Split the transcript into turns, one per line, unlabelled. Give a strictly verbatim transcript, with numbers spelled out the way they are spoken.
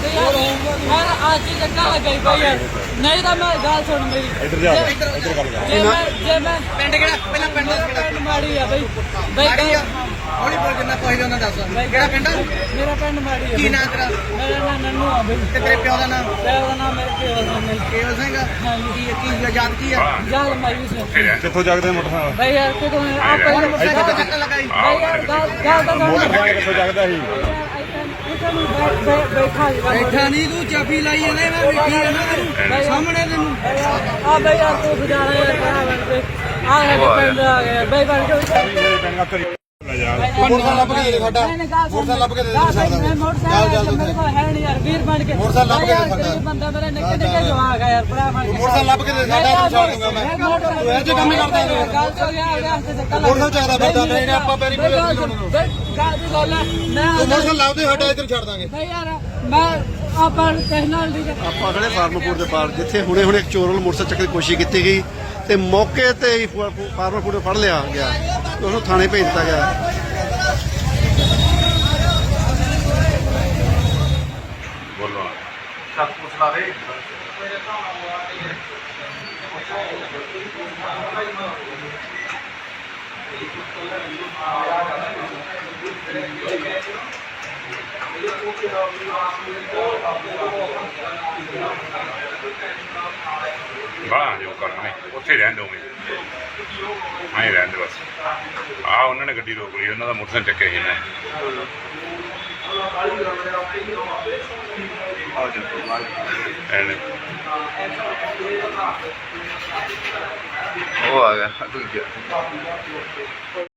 यार आज ही धक्का लग गई भाई यार नहीं तो मैं गाल सुन मेरी
इधर जा इधर कर
जे मैं जे मैं
ਪਿੰਡ ਕਿਹੜਾ ਪਹਿਲਾਂ ਪਿੰਡ ਦੱਸ ਕਿਹੜਾ
पिंड माड़ी है भाई भाई
ਮਾੜੀ ਆ ਹੌਲੀ ਬੋਲ ਜਿੰਨਾ ਕੋਈ ਜਾਂਦਾ ਦੱਸ ਕਿਹੜਾ ਪਿੰਡ
मेरा पिंड माड़ी है
ਕੀ ਨਾਂ ਤੇਰਾ
मेरा नाम नन्नू है भाई
ਤੇ ਤੇਰੇ ਪਿਓ ਦਾ ਨਾਂ
प्यार का नाम मेरे के और नाम
ਕੇਵਲ ਸਿੰਘ ਕੀ ਕੀ ਆਜ਼ਾਦ ਕੀ ਆ
जाल मायूस है
ਕਿੱਥੋਂ ਜਾਗਦੇ ਮੋਟਰਸਾਈਕਲ
भाई यार के तो आप पहले
ਮੋਟਰਸਾਈਕਲ ਤੇ ਧੱਕਾ ਲਗਾਈ
भाई यार गाल गाल का
ਮੋਟਰਸਾਈਕਲ ਕਿੱਥੋਂ ਜਾਗਦਾ ਸੀ
बैठा
ਬੈਠਾ ਨਹੀਂ ਤੂੰ ਚਾਬੀ ਲਾਈ ਜਾਂਦਾ ਮੈਂ ਵੇਖੀ ਜਾਂਦਾ ਤੈਨੂੰ ਸਾਹਮਣੇ ਤੈਨੂੰ
आ भाई यार तू जा रहा है बड़ा बन के आ गया पिंड आ गया भाई बन के
ਮੇਰੇ ਪਿੰਡ ਦਾ ਘਰੀ ਜਾ
ਮੋਟਰਸਾਈਕਲ ਲੱਭ ਕੇ ਦੇ ਸਾਡਾ ਮੋਟਰਸਾਈਕਲ ਲੱਭ ਕੇ ਦੇ ਦੇ ਸਾਡਾ
मोटरसाइकिल मेरे को है नहीं यार वीर बन के
मोटरसाइकिल ਲੱਭ ਕੇ ਦੇ ਸਾਡਾ
गरीब बंदा मेरे निक्के निक्के जवाक है यार बड़ा बन के
ਮੋਟਰਸਾਈਕਲ ਲੱਭ ਕੇ ਦੇ ਸਾਡਾ ਇਹਨੂੰ ਛੱਡ ਦੂੰਗਾ ਮੈਂ ਤੂੰ ਇਹ ਜੇ ਕੰਮ ਹੀ ਕਰਦਾ ਹੈ
गाल तो गया आ गया से धक्का
ਮੋਟਰਸਾਈਕਲ ਚਾਹਦਾ ਫਿਰਦਾ ਨਹੀਂ ਆਪਾਂ ਪੈਰੀ ਪੂਰੇ
गाल भी बोल मैं
ਤੂੰ ਮੋਟਰਸਾਈਕਲ ਲੱਭ ਦੇ ਸਾਡਾ ਇੱਧਰ ਛੱਡ ਦਾਂਗੇ
भाई यार मैं ਆਪਾਂ ਟੈਕਨੋਲੋਜੀ ਦੀ
ਆਪਾਂ ਖੜੇ ਫਾਰਮਪੁਰ ਦੇ ਪਾਰ ਜਿੱਥੇ ਹੁਣੇ ਹੁਣੇ ਇੱਕ ਚੋਰ ਵੱਲ ਮੋਟਰਸਾਈਕਲ ਚੱਕਣ ਦੀ ਕੋਸ਼ਿਸ਼ ਕੀਤੀ ਗਈ ਤੇ ਮੌਕੇ ਤੇ ਹੀ ਫਾਰਮਪੁਰ ਨੂੰ ਫੜ ਲਿਆ ਗਿਆ ਤੇ ਉਹਨੂੰ ਥਾਣੇ ਭੇਜ ਦਿੱਤਾ ਗਿਆ।
ਬੋਲੋ
ਸਭ ਕੁਝ ਲਾਵੇ
ਬਾਹਰ ਜੋ ਕਰਨੇ ਉੱਥੇ ਰਹਿਣ ਦੋਗੇ ਆਏ ਰਹਿਣ ਦੇ ਬਸ ਆ ਉਹਨਾਂ ਨੇ ਗੱਡੀ ਰੋਕ ਲਈ ਉਹਨਾਂ ਦਾ ਮੋਟਰਸਾਈਕਲ ਚੱਕਿਆ ਸੀ ਨਾ
ਉਹ ਆ ਗਿਆ